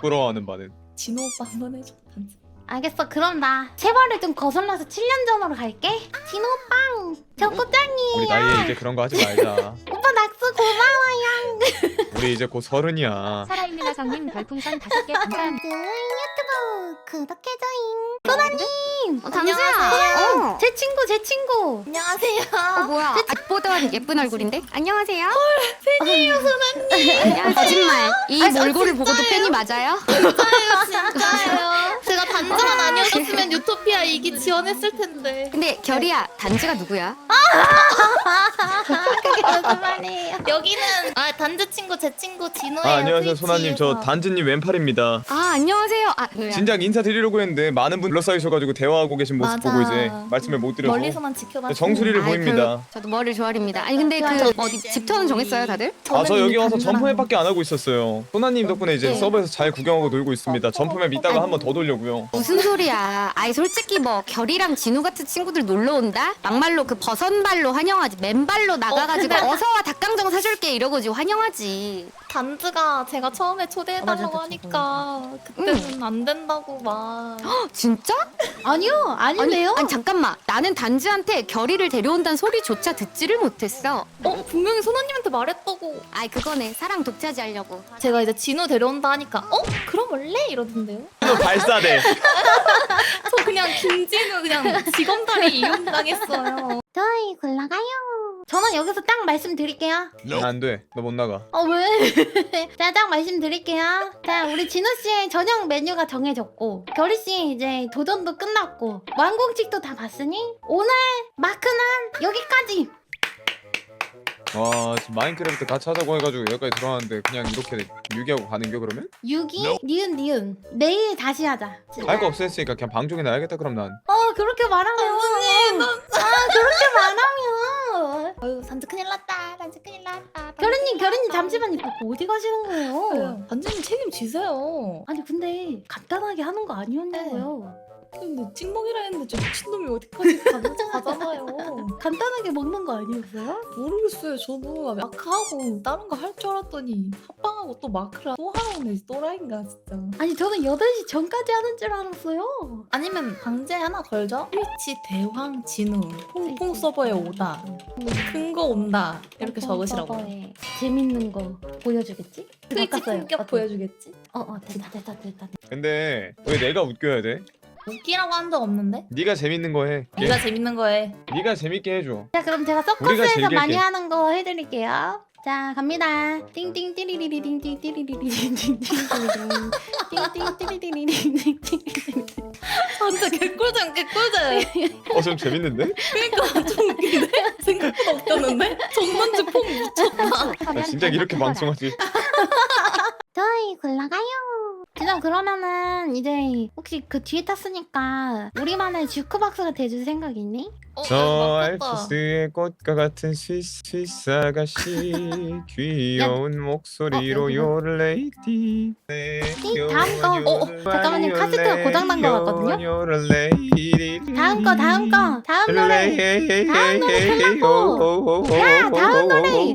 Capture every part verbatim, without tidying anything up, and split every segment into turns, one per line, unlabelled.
부끄러워하는 바는.
진호 오빠 한번 해줘. 단지.
알겠어. 그럼 나 세발을 좀 거슬러서 칠 년 전으로 갈게. 진호빵 저 꽃장이에요.
우리 나이에 이제 그런 거 하지 말자.
오빠 낙수 고마워요.
우리 이제 곧 서른이야.
살아있는 아성님 별풍선 다섯 개 감사합니다.
유튜브 구독해줘잉. 소나님.
어,
당수야. 어, 제 친구 제 친구.
안녕하세요.
어 뭐야? 아보던 예쁜 얼굴인데? 안녕하세요.
팬이에요 소나님.
안녕하세요. 거짓말. 이 몰골을 보고도 팬이 맞아요?
진짜예요. 제가 단지만 아니었으면 유토피아 이기 지원했을 텐데.
근데 결이야, 단지가 누구야?
그게 무슨 말이에요?
여기는 아 단지 친구 제 친구 진호예요.
아 안녕하세요
트위치에서.
소나님. 저 단지님 왼팔입니다.
아 안녕하세요. 아 뭐야?
진작 인사드리려고 했는데 많은 분 둘러싸이셔가지고 대화하고 계신 모습
맞아.
보고 이제 말씀을 못 드려서
멀리서만 지켜봤어요.
정수리를
아이,
보입니다.
그, 저도 머리를 좋아합니다. 아니 근데 그 어디 집터는 정했어요 다들?
아 저 여기 와서
단지랑-
점프맵밖에 안 하고 있었어요. 소나님 덕분에 이제
네.
서버에서 잘 구경하고 놀고 있습니다. 점프맵 이따가 한번 더 돌려고요.
무슨 소리야? 아이 솔직히 뭐 결이랑 진우 같은 친구들 놀러 온다? 막말로 그 버선발로 환영하지. 맨발로 나가가지고
어,
어, 서와 닭강정 사줄게 이러고지 환영하지.
단지가 제가 처음에 초대해달라고
어, 맞아,
하니까 그때는 안 된다고 막.
헉, 진짜?
아니요 아닌데요.
아니, 아니 잠깐만. 나는 단지한테 결이를 데려온다는 소리조차 듣지를 못했어.
어 분명히 소나님한테 말했다고.
아이 그거네. 사랑 독차지하려고.
제가 이제 진호 데려온다 하니까 어 그럼 원래 이러던데요.
또 발사대.
저 그냥 김진우 그냥 직원다리 이용당했어요.
저희 골라가요. 저는 여기서 딱 말씀드릴게요.
안 돼. 너 못 나가.
어 왜? 자, 딱 말씀드릴게요. 자, 우리 진우 씨의 저녁 메뉴가 정해졌고, 결희 씨 이제 도전도 끝났고, 완공식도 다 봤으니 오늘 마크는 여기까지.
와 지금 마인크래프트 같이 하자고 해가지고 여기까지 들어왔는데 그냥 이렇게 유기하고 가는겨 그러면?
유기, 니은, 니은. 내일 다시 하자.
할 거 없었으니까 그냥 방종이 나야겠다 그럼 난.
어, 그렇게 말하면. 아, 그렇게 말하면.
아유 단지 큰일 났다. 단지 큰일 났다.
결희님, 결희님 잠시만 이거 어디 가시는 거예요?
단지님 책임지세요.
아니 근데 간단하게 하는 거 아니었냐고요?
근데 찍먹이라 했는데 저 미친놈이 어디까지 가, 가잖아요.
간단하게 먹는 거 아니었어요?
모르겠어요. 저도 마크하고 다른 거 할 줄 알았더니 합방하고 또 마크랑 또 하라네. 또라이인가 진짜.
아니 저는 여덟 시 전까지 하는 줄 알았어요.
아니면 방제 하나 걸죠? 트위치 대황 진우 퐁퐁 서버에 오다. 큰 거 온다. 이렇게 적으시라고.
서버에 재밌는 거 보여주겠지?
트위치
바꿨어요.
품격
어때?
보여주겠지?
어어 됐다 됐다 됐다.
근데 왜 내가 웃겨야 돼?
웃기라고 한 적 없는데?
네가 재밌는 거 해.
네가 재밌는 거 해.
네가 재밌게 해줘.
자 그럼 제가
우리가
서커스에서
즐길게.
많이 하는 거 해드릴게요. 자 갑니다. 띵띵 띠리리리링 띵띠리리리링 띵띵 띠리리리링
진짜 개꿀잼 개꿀잼.
어 좀 재밌는데?
그러니까 좀 웃긴데? 생각보다 웃겼는데? 전반지 폼 미쳤다.
나 진짜 이렇게 방송하지.
저희 골라가요. 진짜 그러면은 이제 혹시 그 뒤에 탔으니까 우리만의 주크박스가 돼줄 생각 있니?
어,
저
맞겠다.
알프스의 꽃과 같은 스위스 스위스 아가씨 귀여운 목소리로
어,
요레이디
띵, 다음 거. 어, 어, 잠깐만요. 카세트가 고장난 거 같거든요? 다음 거 다음 거 다음 노래. 다음 노래 끝났고. 야, 다음 노래.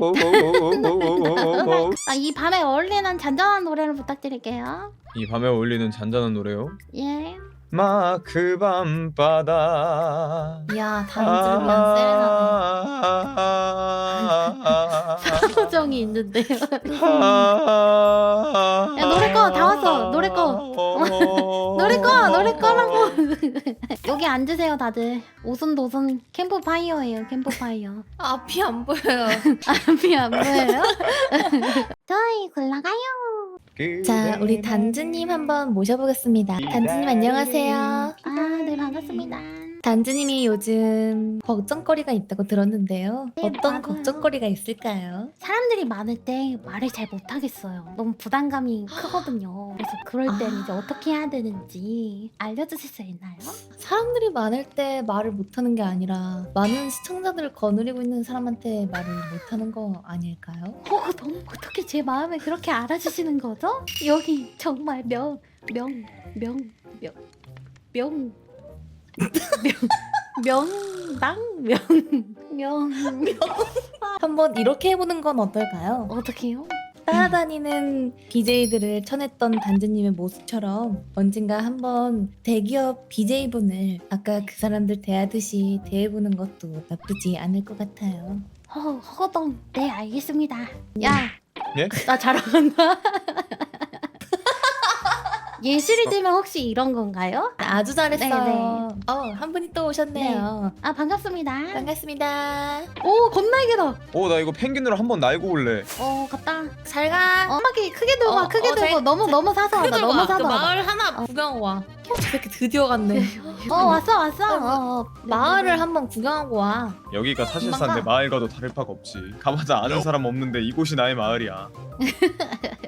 아, 이 밤에 어울리는 잔잔한 노래를 부탁드릴게요.
이 밤에 어울리는 잔잔한 노래요.
예.
마그 밤바다
이야 단지를 위한 세레나데.
표정이 있는데요. 야 노래 꺼 다 왔어. 노래 꺼. 노래 꺼 노래 꺼라고. 여기 앉으세요 다들. 오순도순 캠프파이어예요. 캠프파이어.
앞이 안 보여요.
앞이 안 보여요? 저희 골라가요.
자 우리 단지님 한번 모셔보겠습니다. 단지님 안녕하세요.
아, 네 반갑습니다.
단지님이 요즘 걱정거리가 있다고 들었는데요.
네,
어떤
맞아요.
걱정거리가 있을까요?
사람들이 많을 때 말을 잘 못하겠어요. 너무 부담감이 크거든요. 그래서 그럴 땐
아.
이제 어떻게 해야 되는지 알려주실 수 있나요?
사람들이 많을 때 말을 못하는 게 아니라 많은 시청자들을 거느리고 있는 사람한테 말을 못하는 거 아닐까요?
어, 너무 어떻게 제 마음을 그렇게 알아주시는 거죠? 여기 정말 명, 명, 명, 명, 명, 명, 명당, 명, 명, 명.
한번 이렇게 해보는 건 어떨까요?
어떻게요?
따라다니는 비제이들을 쳐냈던 단지님의 모습처럼 언젠가 한번 대기업 비제이분을 아까 그 사람들 대하듯이 대해보는 것도 나쁘지 않을 것 같아요.
어, 허거동. 네, 알겠습니다. 야,
예?
나 자랑한다. 예술이 되면 혹시 이런 건가요?
아주 잘했어요.
네네.
어, 한 분이 또 오셨네요.
아, 반갑습니다.
반갑습니다.
오, 건날개다.
어 나 이거 펭귄으로 한번 날고 올래.
어, 갔다.
잘 가.
어, 음악이 크게 들고 와,
어,
크게
어,
들고.
잘-
너무,
잘-
너무 사서
크게
와봐.
들고
너무
와. 그
사서 와봐.
마을 하나 구경 와. 어, 저 새끼 드디어 갔네.
어, 왔어, 왔어.
아이고.
어, 어.
마을을 한번 구경하고 와.
여기가 사실상
금방
내
가.
마을과도 다를 바가 없지. 가봐자 아는 사람 없는데 이곳이 나의 마을이야.